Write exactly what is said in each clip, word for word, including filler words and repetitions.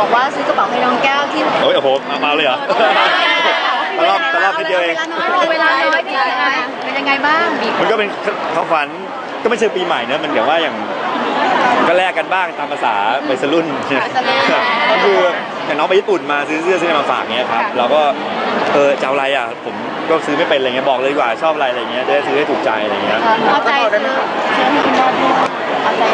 บอกว่าซื้อกระเป๋าให้น้องแก้วที่โอ้ยโอ้โหมาเลยเหรอตลอดตลอดทีเดียวเองเวลาน้อยเป็นยังไงบ้างมันก็เป็นของขวัญก็ไม่ใช่ปีใหม่เนอะมันอย่างว่าอย่างก็แลกกันบ้างตามภาษาวัยรุ่นก็คืออย่างน้องไปญี่ปุ่นมาซื้อเสื้อซื้อมาฝากเงี้ยครับเราก็เออจะเอาอะไรอ่ะผมก็ซื้อไม่เป็นอะไรเงี้ยบอกเลยดีกว่าชอบอะไรอะไรเงี้ยจะได้ซื้อให้ถูกใจอะไรเงี้ยเอาใจซื้อซื้อให้คุณพ่อเอาใจ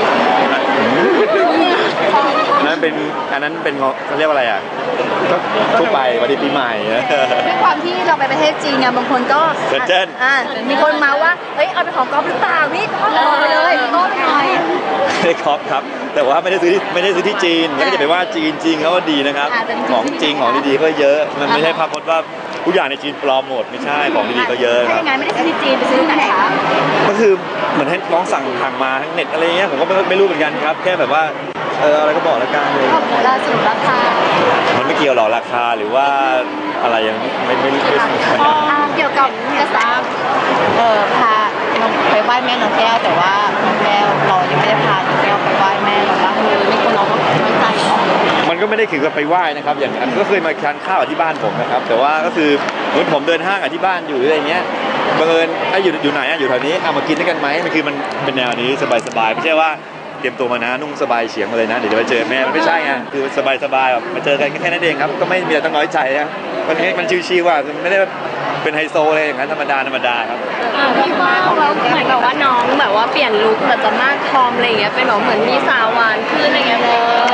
นั่นเป็นอันนั้นเป็นเขาเรียกว่าอะไรอ่ะก็ทั่วไปวันดีปีใหม่ด้วยความที่เราไปประเทศจีนเนี่ยบางคนก็เจิ้นอ่ามีคนมาว่าเฮ้ยเอาไปของก๊อฟหรือเปล่านี่ก็ไปเลยก็ไปหน่อยไม่ก๊อฟครับแต่ว่าไม่ได้ซื้อที่ไม่ได้ซื้อที่จีนแล้วก็จะไปว่าจีนจริงเขาก็ดีนะครับของจริงของดีๆก็เยอะมันไม่ใช่ภาพพจน์ว่าทุกอย่างในจีนปลอมหมดไม่ใช่ของดีๆก็เยอะครับไม่ได้ซื้อที่จีนไปซื้อที่ไหนคะก็คือเหมือนให้น้องสั่งทางมาทั้งเน็ตอะไรเงี้ยผมก็ไม่รู้เหมือนกันครับแค่แบบว่าเอออะไรก็บอกแล้วกันเลยราสรุปราคามันไม่เกี่ยวหรอกราคาหรือว่าอะไรยังไม่ไม่ไม่เกี่ยวกับกระแสเออพาไปไหว้แม่น้องแก้วแต่ว่าน้องแก้วเรายังไม่ได้พาน้องแก้วไปไหว้แม่เราบ้างคือไม่คนน้องก็ไม่ใจมันก็ไม่ได้ถึงกับไปไหว้นะครับอย่างก็เคยมาทานข้าวที่บ้านผมนะครับแต่ว่าก็คือเหมือนผมเดินห้างที่บ้านอยู่อะไรเงี้ยบังเอิญไอ้อยู่อยู่ไหนอ่ะอยู่แถวนี้เอามากินด้วยกันไหมมันคือมันเป็นแนวนี้สบายๆไม่ใช่ว่าเตรียมตัวมานะนุ่งสบายเฉียงมาเลยนะเดี๋ยวจะไปเจอแม่มันไม่ใช่ไงคือสบายๆแบบมาเจอกันแค่นั้นเองครับก็ไม่มีอะไรต้องน้อยใจนะมันมันชิวๆว่าไม่ได้เป็นไฮโซเลยอย่างนั้นธรรมดาธรรมดาครับพี่ว่าเราเหมือนแบบว่าน้องแบบว่าเปลี่ยนลุคแบบจะมากทอมอะไรอย่างเงี้ยเป็นแบบเหมือนมีสาวหวานขึ้นอะไรเงี้ย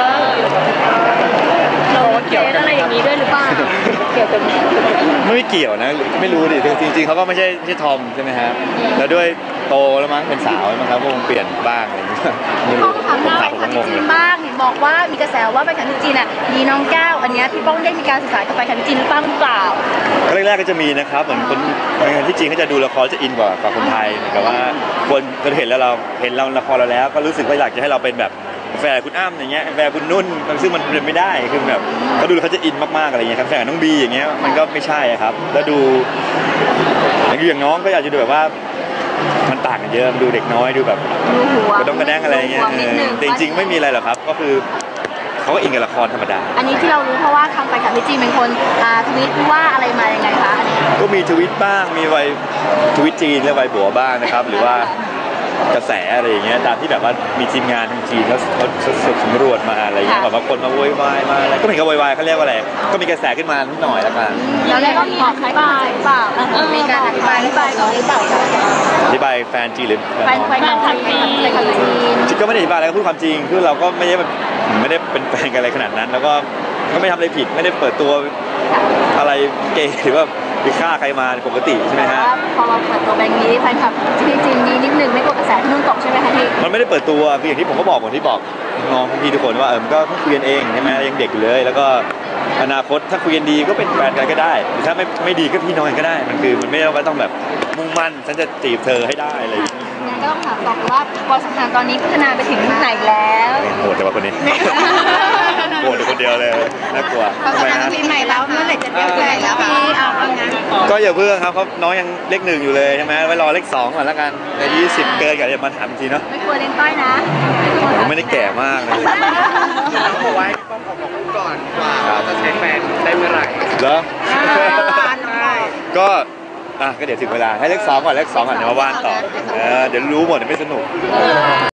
เราเกี่ยวอะไรอย่างนี้ด้วยหรือเปล่าเกี่ยวกับไม่เกี่ยวนะไม่รู้ดิจริงๆเขาก็ไม่ใช่ไม่ใช่ทอมใช่ไหมครับแล้วด้วยโตแล้วมั้งเป็นสาวมั้งครับก็คงเปลี่ยนบ้างอะไรอย่างเงี้ยพี่ป้องทำได้ไปขันจีนบ้างบอกว่ามีกระแสว่าไปขันจีนอ่ะมีน้องแก้วอันนี้พี่ป้องได้มีการศึกษากับไปขันจีนหรือเปล่าแรกๆก็จะมีนะครับเหมือนคนในที่จีนเขาจะดูละครจะอินกว่ากับคนไทยแต่ว่าคนก็เห็นแล้วเราเห็นเราละครเราแล้วก็รู้สึกว่าอยากจะให้เราเป็นแบบแฟนคุณอ้ำอย่างเงี้ยแฟนคุณนุ่นซึ่งมันเป็นไม่ได้คือแบบเขาดูเขาจะอินมากๆอะไรเงี้ยครับแฟนน้องบีอย่างเงี้ยมันก็ไม่ใช่ครับแล้วดูอย่างน้องก็อยากจะดูแบบว่ามันต่างกันเยอะดูเด็กน้อยดูแบบกระด้งกระแดงอะไรเงี้ยจริงๆไม่มีอะไรหรอกครับก็คือเขาก็อินกับละครธรรมดาอันนี้ที่เรารู้เพราะว่าทางไปกับพี่จีนเป็นคนทวิตว่าอะไรมายังไงคะอันนี้ก็มีทวิตบ้างมีไวทวิตจีนและไวบัวบ้างนะครับหรือว่ากระแสอะไรอย่างเงี้ยตามที่แบบว่ามีทีมงานทางจีนเขาเขาสำรวจมาอะไรเงี้ยแบบว่าคนมาโวยวายมาอะไรก็ไม่เขาโวยวายเขาเรียกว่าอะไรก็มีกระแสขึ้นมานิดหน่อยแล้วกันแล้วได้ก็มีอธิบายเปล่ามีการอธิบายอธิบายก่อนหรือเปล่าอธิบายแฟนจีนหรือแฟนแฟนจีนแฟนจีนจีนก็ไม่ได้อธิบายอะไรก็พูดความจริงคือเราก็ไม่ได้ไม่ได้เป็นแฟนกันอะไรขนาดนั้นแล้วก็ก็ไม่ทำอะไรผิดไม่ได้เปิดตัวอะไรเกย์หรือว่าไปฆ่าใครมาปกติใช่ไหมฮะพอเราเปิดตัวแบงค์นี้แฟนคลับที่จีนนี้นิดนึงไม่กดกระแสที่นู่นตกใช่ไหมคะพี่มันไม่ได้เปิดตัวคืออย่างที่ผมก็บอกเหมือนที่บอกน้องพี่ทุกคนว่าเออก็เพิ่งคุยกันเองใช่ไหมยังเด็กอยู่เลยแล้วก็อนาคตถ้าคุยกันดีก็เป็นแฟนกันก็ได้หรือถ้าไม่ไม่ดีก็พี่น้องกันก็ได้มันคือมันไม่ได้ว่าต้องแบบมุ่งมั่นฉันจะจีบเธอให้ได้อะไรอย่างนี้งั้นก็ต้องถามต่อว่าความสัมพันธ์ตอนนี้พัฒนาไปถึงไหนแล้วโหดแต่ว่าคนนี้โหดแต่คนเดียวเลยน่ากลัวทำไมฮะปีใหม่แล้วเมื่อไหร่จะเรียกใหญ่แล้วพี่เอาเอางั้นก็อย่าเพิ่งครับเพราะน้องยังเลขหนึ่งอยู่เลยใช่ไหมไว้รอเลขสองก่อนแล้วกันในยี่สิบเกินกันจะมาถามทีเนาะไม่กลัวเล่นต้อยนะผมไม่ได้แก่มากเลยเอาไว้ต้องขอบอกคุณก่อนว่าจะใช้แฟนได้เมื่อไหร่เหรอก็อ่ะก็เดี๋ยวถึงเวลาให้เลขสองก่อนเลขสองก่อนเดี๋ยวมาว่านต่อเออเดี๋ยวรู้หมดเดี๋ยวไม่สนุก